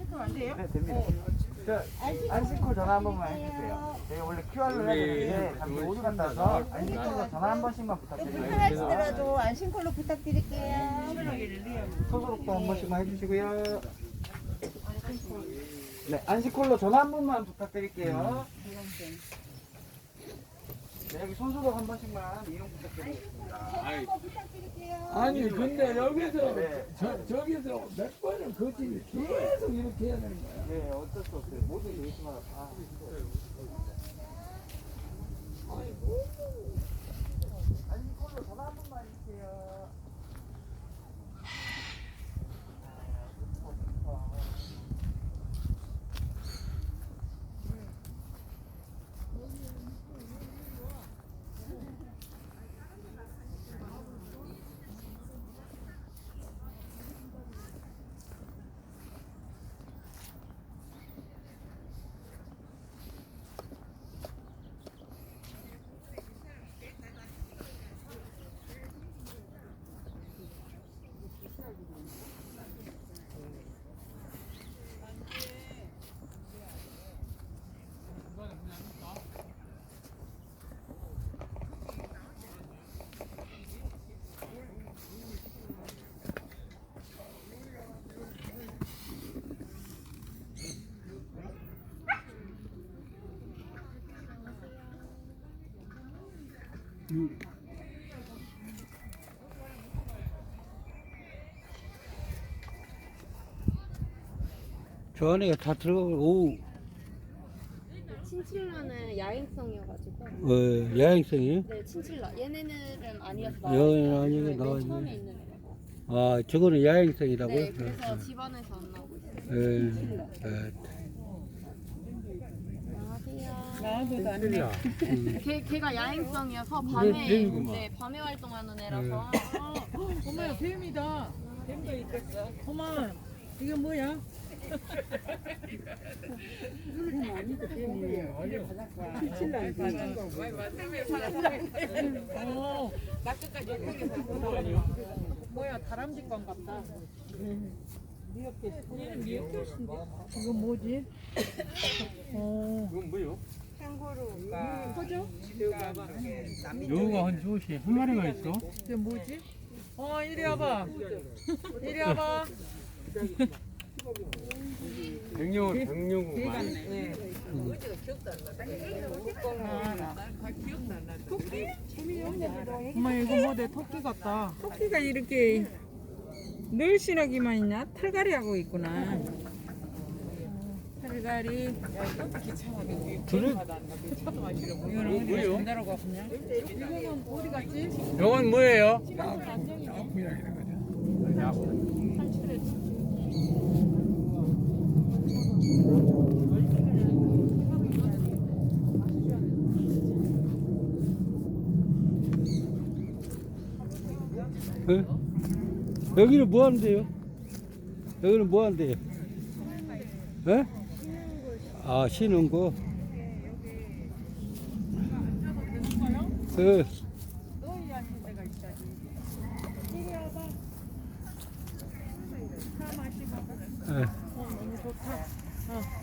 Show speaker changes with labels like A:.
A: 그럼 안 돼요?
B: 네, 됩니다. 안심콜 전화 한 번만 해주세요. 저희 원래 QR로 해야 되는데 잠시 오류 같아서 안심콜로 전화 한 번씩만 부탁드려요.
A: 불편하시더라도 안심콜로 부탁드릴게요.
B: 소속도 한 번씩만 해주시고요. 네, 안심콜로 전화 한 번만 부탁드릴게요. 네, 여기 손소독 한 번씩만 이용 부탁드리겠습니다.
C: 아니 근데 여기서
B: 네.
C: 저기서 몇 번을 거치면 계속 이렇게 해야 되는 거야.
B: 네, 어쩔 수 없어요. 모든 레이스마다 다. 안심콜로 전화 한 번만 해주세요.
D: 저 안에가 다 들어가고, 오,
E: 친칠라는 야행성이어가지고.
D: 야행성이에요?
E: 네, 친칠라. 얘네는 아니었어요.
D: 여기는 아니고
E: 네,
D: 나와
E: 맨 처음에
D: 있네.
E: 있는 애라고.
D: 아, 저거는 야행성이라고요?
E: 네, 그래서 집안에서 안 나오고 있어요. 안녕하세요. 걔가 야행성이어서 밤에 밤에 활동하는 애라서.
A: 어머야, 뱀이다. 뱀도 있겠어. 어머, 이게 뭐야? 뭐야, 다람쥐관 같다. 미역캣인데. 이거 뭐지?
B: 이건 뭐예요?
D: 여우가 한 조시 한 마리가 있어?
A: 이게 뭐지? 이리 와봐. 이리 와봐.
B: 백령구만.
A: 엄마, 이거 뭐 내 토끼 같다. 토끼가 이렇게 늘씬하기만 있냐? 털갈이 하고 있구나. 털갈이. 이거는 어디가 전달하고 왔냐? 이거는 어디 갔지?
D: 이건 뭐예요? 여기는 뭐 하는데요? 여기는 뭐 하는데요? 예? 아, 쉬는 거? 그,
A: 너희 앉은 데가 있다지. 이리 와봐. 차 마시고.
D: 예.
A: 너무 좋다.